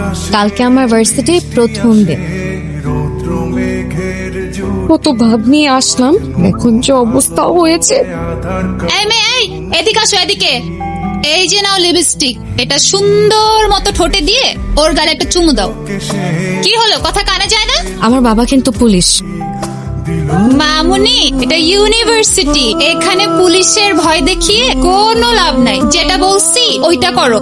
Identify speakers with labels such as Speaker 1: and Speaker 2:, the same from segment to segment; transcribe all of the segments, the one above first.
Speaker 1: কালকে আমার ভার্সিটির প্রথম দিন। কত ভাব নিয়ে আসলাম, এখন যে অবস্থা হয়েছে।
Speaker 2: এই মেয়ে, এই এদিকে আসো, এদিকে। এই যে নাও লিপস্টিক, এটা সুন্দর মতো ঠোঁটে দিয়ে ওর গালে একটা চুমু দাও। কি হলো, কথা কানে যায় না?
Speaker 1: আমার বাবা কিন্তু পুলিশ।
Speaker 2: মামুনি, এটা ইউনিভার্সিটি, এখানে পুলিশের ভয় দেখিয়ে কোনো লাভ নাই। যেটা বলছি ওইটা করো।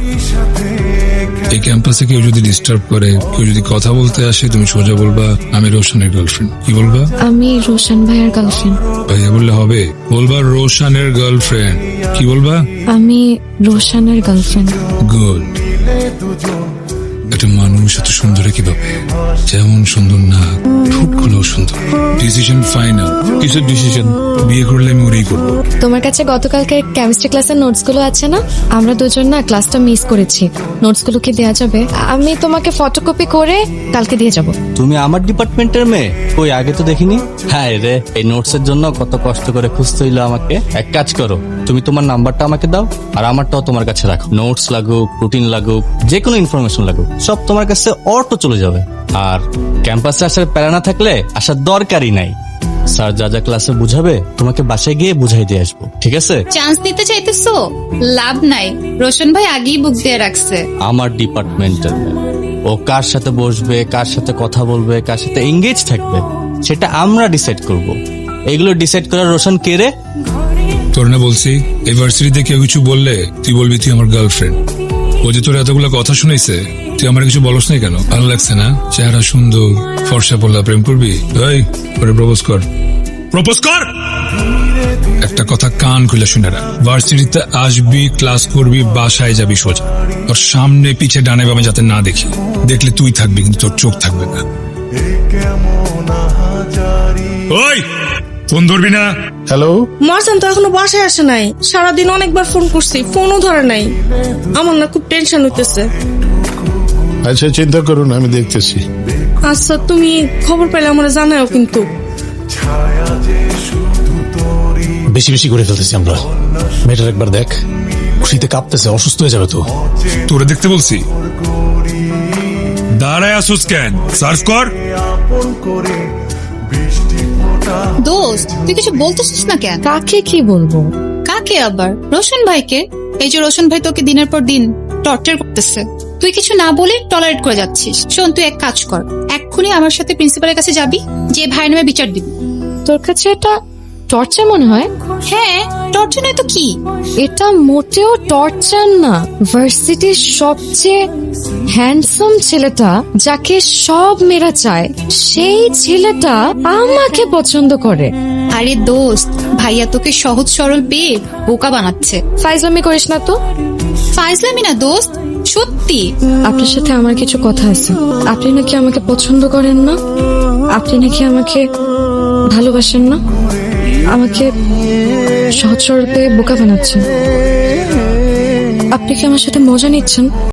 Speaker 3: এই ক্যাম্পাসে কেউ যদি ডিস্টার্ব করে, কেউ যদি কথা বলতে আসে, তুমি সোজা বলবা আমি রোশনের গার্লফ্রেন্ড। কি বলবা?
Speaker 1: আমি রোশন ভাইয়ের গার্লফ্রেন্ড।
Speaker 3: ভাইয়া বললে হবে? বলবা রোশনের গার্লফ্রেন্ড। কি বলবা?
Speaker 1: আমি রোশনের গার্লফ্রেন্ড।
Speaker 3: গুড। একটা মানুষ এত সুন্দর কিভাবে, যেমন সুন্দর না, ঠোঁটগুলো সুন্দর। Decision final. কিসের ডিসিশন? বিয়ে করলে আমি ওরেই করবো।
Speaker 1: তোমার কাছে গতকালকে কেমিস্ট্রি ক্লাসের নোটস গুলো আছে না? আমরা দুজন না ক্লাসটা মিস করেছি। নোটস গুলো কি দেওয়া যাবে? আমি তোমাকে ফটোকপি করে কালকে দিয়ে যাব।
Speaker 4: তুমি আমার ডিপার্টমেন্টের মেয়ে? কই, আগে তো দেখিনি। হ্যাঁ রে, এই নোটস এর জন্য কত কষ্ট করে খুঁজতে হইলো আমাকে। এক কাজ করো, তুমি তোমার নাম্বারটা আমাকে দাও, আর আমারটাও তোমার কাছে রাখো। নোটস লাগুক, রুটিন লাগুক, যে কোনো ইনফরমেশন লাগুক, সব তোমার কাছে অটো চলে যাবে। আর ক্যাম্পাসে আসার প্যারা না থাকলে আসার দরকারই নাই। স্যার যা যা ক্লাসে বুঝাবে তোমাকে বাসায় গিয়ে বুঝাই দিয়ে আসবো, ঠিক আছে?
Speaker 2: চান্স দিতে চাইতেছো? লাভ নাই, রোশন ভাই আগেই বুক দিয়ে রাখছে।
Speaker 4: আমার ডিপার্টমেন্টের মেয়ে, ও কার সাথে বসবে, কার সাথে কথা বলবে, কার সাথে এঙ্গেজ থাকবে, সেটা আমরা ডিসাইড করব। এগুলো ডিসাইড করার রোশন কে রে?
Speaker 3: তোর না বলছি, এই ভার্সিটিতে কেউ কিছু বললে তুই বলবি তুই আমার গার্লফ্রেন্ড। ও যে তোর এতগুলো কথা শুনেছে, তুই আমার কিছু বলস নাই কেন? ভালো লাগছে না? চেহারা সুন্দর, ফর্সা পড়লা, প্রেম করবি? এই ওরে প্রপোজ কর, প্রপোজ কর। একটা কথা কান খুলে শুনে রাখ, ভার্সিটিতে আসবি, ক্লাস করবি, বাসায় যাবি সোজা। তোর সামনে পিছে ডানে বামে যাতে না দেখি। দেখলে তুই থাকবি কিন্তু তোর চোখ থাকবে না। ওই ফোন ধরবি না।
Speaker 5: হ্যালো,
Speaker 6: মারজান তো এখনো বাসায় আসে নাই। সারাদিন অনেকবার ফোন করছি, ফোনও ধরে নাই। আমার না খুব টেনশন হইতেছে।
Speaker 5: আচ্ছা চিন্তা করুন, আমি দেখতেছি।
Speaker 6: আচ্ছা, তুমি খবর পেলে আমার জানাও কিন্তু।
Speaker 5: বেশি বেশি করে ফেলতেছি আমরা। মেয়েটার একবার দেখ, খুশিতে কাঁপতেছে, অসুস্থ হয়ে যাবে তো।
Speaker 3: তোরে দেখতে বলছি, দাঁড়ায় আসুস কেন? সার্চ কর।
Speaker 2: দোস্ত, তুই কিছু বলতেছিস না কেন?
Speaker 1: কাকে কি বলবো?
Speaker 2: কাকে আবার? রোশন ভাইকে। এই যে রোশন ভাই তোকে দিনের পর দিন টর্চার করতেছে, তুই কিছু না বলে টলারেট করে যাচ্ছিস। শোন, তুই এক কাজ কর, এক্ষুনি আমার সাথে প্রিন্সিপালের কাছে যাবি, যে ভাইয়ের নামে বিচার দিবি।
Speaker 1: তোর কাছে এটা টর্চার মনে হয়?
Speaker 2: হ্যাঁ, টর্চার নয় তো কি?
Speaker 1: এটা মোটেও টর্চার না। ভার্সিটির সবচেয়ে হ্যান্ডসাম ছেলেটা, যাকে সব মেয়েরা চায়, সেই ছেলেটা আমাকে পছন্দ করে।
Speaker 2: আরে দোস্ত, ভাইয়া তোকে সহজ সরল পেয়ে বোকা বানাচ্ছে।
Speaker 1: ফাইজলামি করিস না তো।
Speaker 2: ফাইজলামি না দোস্ত, সত্যি।
Speaker 1: আপনার সাথে আমার কিছু কথা আছে। আপনি নাকি আমাকে পছন্দ করেন না, আপনি নাকি আমাকে ভালোবাসেন না, আমাকে সহজ সরল পেয়ে বোকা বানাচ্ছেন। আপনি কি আমার সাথে মজা নিচ্ছেন?